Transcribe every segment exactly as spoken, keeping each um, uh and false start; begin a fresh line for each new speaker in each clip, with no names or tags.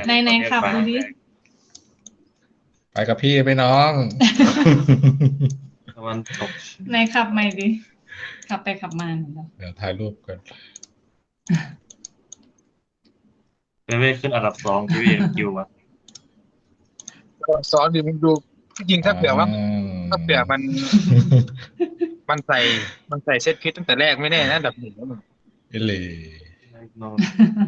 ในในขับดูดิ
ไปกับพี่ไปน้อง
ตะวันตก
ในขับใหม่ดิ ขับไปขับมาเหมือนกัน
เดี๋ยวถ่ายรูปกัน
เป็นไม่ขึ้นอันดับสองที่วีคิวอะ
สอนดิมึงดูจริงๆถ้าเผื่อว่าถ้าเผื่อมัน มันใส่มันใส่เซตพิษตั้งแต่แรกไม่แน่นะอันดับหนึ่งแล้วมึง
เอเล
โน่น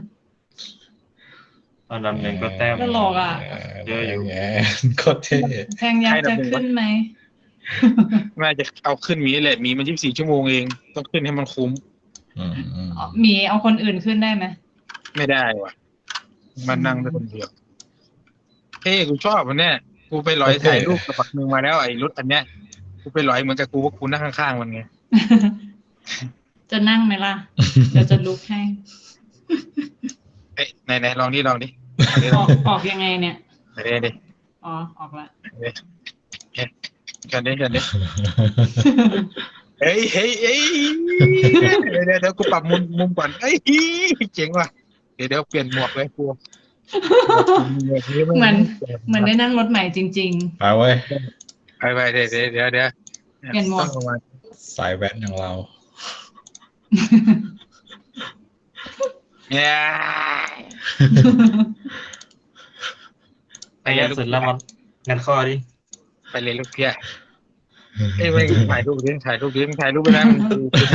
อันดับหนึ่งก็แต้ม
ก็หลอกอ่ะ
เยอะอยู่
แงโคตรเท่
แทงยักษ์จะขึ้นไหม
น่าจะเอาขึ้นหมีแหละหมีมันยี่สิบสี่ชั่วโมงเองต้องขึ้นให้มันคุ้ม
อืมอืม
อ๋อหมีเอาคนอื่นขึ้นได้ไหม
ไม่ได้ว่ะ มันนั่งได้คนเดียวเฮ้ยกูชอบมันเนี่ยกูไปลอยถ่ายรูปกับปักมึงมาแล้วไอ้รถอันเนี้ยกูไปลอยเหมือนกับกูว่ากูนั่งข้างๆมันไง
จะนั่งไหมล่ะ เดี๋ยวจะลุกให้
เอ้ยไหนไหนลองนี่ลองดิ
ออกออกยังไงเนี่ย
ไหนดิดิ
อ๋อ ออกละ
กันดิกันดิเฮ้ยเฮ้ยเฮ้ยเดี๋ยวเดี๋ยวเดี๋ยวกูปรับมุมมุมก่อนเฮ้ยเจ๋งว่ะเดี๋ยวเดี๋ยวเปลี่ยนหมวกเลยกู
เหมือน เหมือนได้นั่งรถใหม่จริง
ไปเว้ย
ไปไปเดี๋ยวเดี๋ยวเดี๋ยวเดี๋ยว
เปลี่ยนหมวก
ต้องระวัง
สายแว้นอย่างเรา
เนี่ย
ไอ้ยันสุดแล้วมันงัดข้อดิ
ไปเลยลูกเพี้ยเอ้ยไม่ถ่ายรูปดิถ่ายรูปดิถ่ายรูปไปนะ